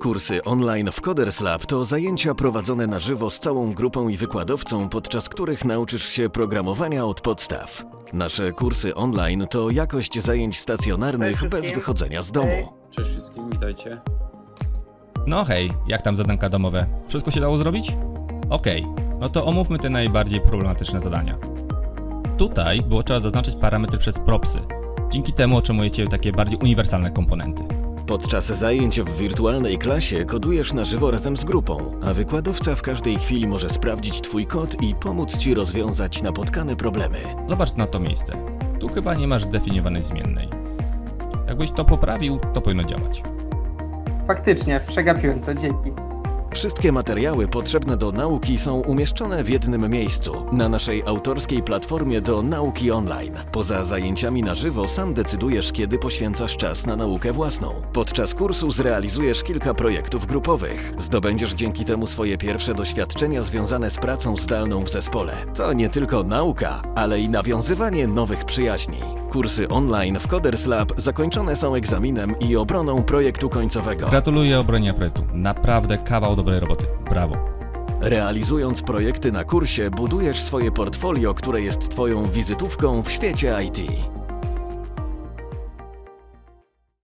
Kursy online w Coders Lab to zajęcia prowadzone na żywo z całą grupą i wykładowcą, podczas których nauczysz się programowania od podstaw. Nasze kursy online to jakość zajęć stacjonarnych bez wychodzenia z domu. Cześć wszystkim, witajcie. No hej, jak tam zadanka domowe? Wszystko się dało zrobić? Okej, no to omówmy te najbardziej problematyczne zadania. Tutaj było trzeba zaznaczyć parametry przez propsy. Dzięki temu otrzymujecie takie bardziej uniwersalne komponenty. Podczas zajęć w wirtualnej klasie kodujesz na żywo razem z grupą, a wykładowca w każdej chwili może sprawdzić Twój kod i pomóc Ci rozwiązać napotkane problemy. Zobacz na to miejsce. Tu chyba nie masz zdefiniowanej zmiennej. Jakbyś to poprawił, to powinno działać. Faktycznie, przegapiłem to, dzięki. Wszystkie materiały potrzebne do nauki są umieszczone w jednym miejscu, na naszej autorskiej platformie do nauki online. Poza zajęciami na żywo sam decydujesz, kiedy poświęcasz czas na naukę własną. Podczas kursu zrealizujesz kilka projektów grupowych. Zdobędziesz dzięki temu swoje pierwsze doświadczenia związane z pracą zdalną w zespole. To nie tylko nauka, ale i nawiązywanie nowych przyjaźni. Kursy online w Coders Lab zakończone są egzaminem i obroną projektu końcowego. Gratuluję obronie projektu. Naprawdę kawał dobrej roboty. Brawo. Realizując projekty na kursie, budujesz swoje portfolio, które jest Twoją wizytówką w świecie IT.